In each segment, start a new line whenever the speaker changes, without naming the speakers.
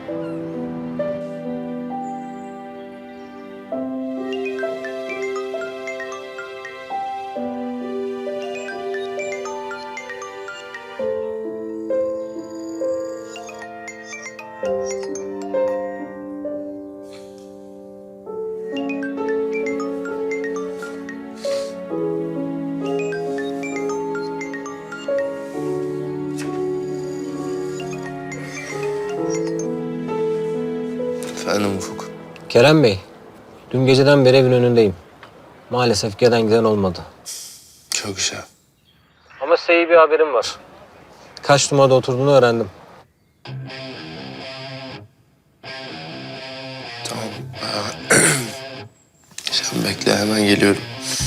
Efendim Ufuk.
Kerem Bey, dün geceden beri evin önündeyim. Maalesef gelen giden olmadı.
Çok güzel.
Ama size iyi bir haberim var. Kaç numarada oturduğunu öğrendim.
Tamam. Sen bekle, hemen geliyorum.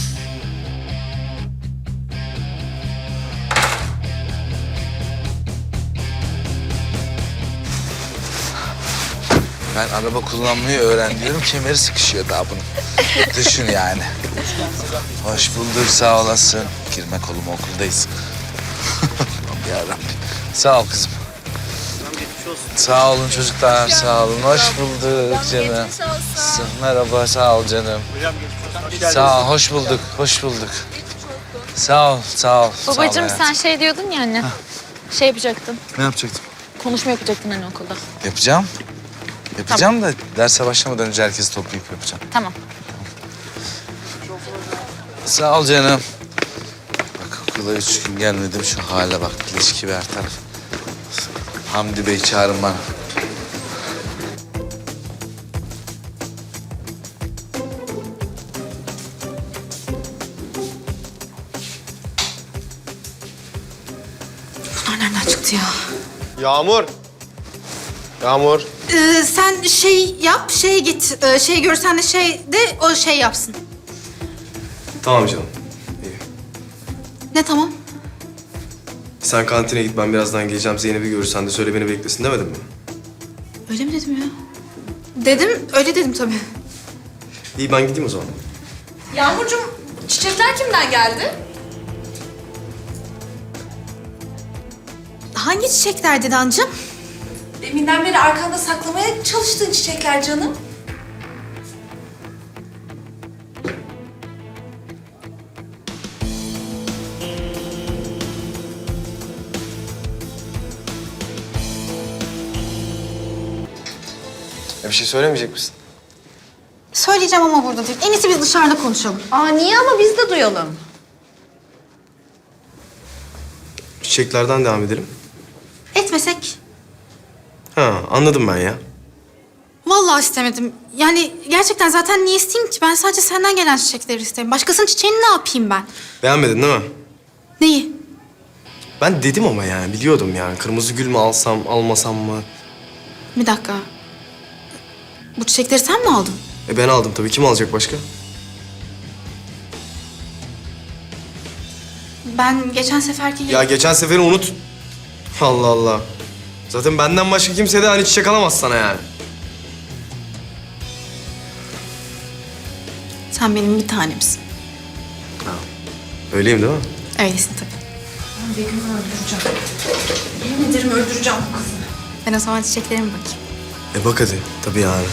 Ben araba kullanmayı öğreniyorum. Kemeri sıkışıyor daha bunun. Düşün yani. Hoş bulduk, sağ olasın. Girme koluma, okuldayız. Yarabbim. Sağ ol kızım. Sağ olun çocuklar, sağ olun. Hoş bulduk canım. Merhaba, sağ ol canım. Sağ ol, hoş bulduk, hoş bulduk. Sağ ol, sağ ol.
Babacığım
sağ ol
sen şey diyordun ya anne. Şey yapacaktın.
Ne yapacaktım?
Konuşma yapacaktın hani okulda.
Yapacağım. Yapacağım da derse başlamadan önce herkesi toplayıp yapacağım.
Tamam.
Sağ ol canım. Bak okula 3 gün gelmedim, şu hale bak. İlişki bir her taraf. Hamdi Bey çağırın bana.
Bunlar nereden çıktı ya?
Yağmur. Yağmur.
Sen şey yap, şeye git. Şey görsen de şey de o şey yapsın.
Tamam canım. İyi.
Ne tamam?
Sen kantine git, ben birazdan geleceğim. Zeynep'i görürsen de söyle beni beklesin demedim mi?
Öyle mi dedim ya? Dedim, öyle dedim tabii.
İyi, ben gideyim o zaman.
Yağmurcuğum, çiçekler kimden geldi?
Hangi çiçekler Didancığım?
Deminden beri arkanda saklamaya çalıştığın çiçekler canım.
Bir şey söylemeyecek misin?
Söyleyeceğim ama burada değil. En iyisi biz dışarıda konuşalım.
Aa niye ama biz de duyalım.
Çiçeklerden devam edelim.
Etmesek.
Ha, anladım ben ya.
Vallahi istemedim. Yani gerçekten zaten niye isteyeyim ki? Ben sadece senden gelen çiçekleri isterim. Başkasının çiçeğini ne yapayım ben?
Beğenmedin değil mi?
Neyi?
Ben dedim ama yani, biliyordum yani. Kırmızı gül mü alsam, almasam mı?
Bir dakika. Bu çiçekleri sen mi aldın?
Ben aldım tabii. Kim alacak başka?
Ben geçen seferki...
Ya geçen seferi unut. Allah Allah. Zaten benden başka kimse de hani çiçek alamaz sana yani.
Sen benim bir tanemsin.
Öyleyim değil mi?
Öylesin tabii.
Begüm'ü öldüreceğim. Yemin ederim öldüreceğim bu kızı.
Ben o zaman çiçeklerime bakayım.
Bak hadi. Tabii yani.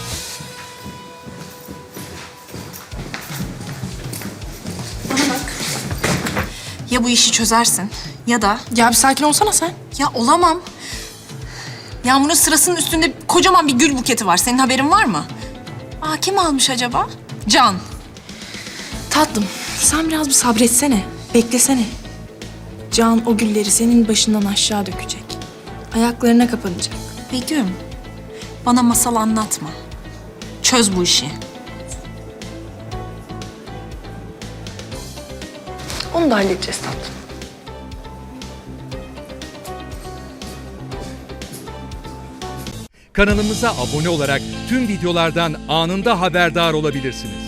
Bana bak. Ya bu işi çözersin ya da...
Ya bir sakin olsana sen.
Ya olamam. Yağmur'un sırasının üstünde kocaman bir gül buketi var. Senin haberin var mı? Aa kim almış acaba? Can.
Tatlım sen biraz bir sabretsene. Beklesene. Can o gülleri senin başından aşağı dökecek. Ayaklarına kapanacak.
Begüm, bana masal anlatma. Çöz bu işi.
Onu da halledeceğiz tatlım.
Kanalımıza abone olarak tüm videolardan anında haberdar olabilirsiniz.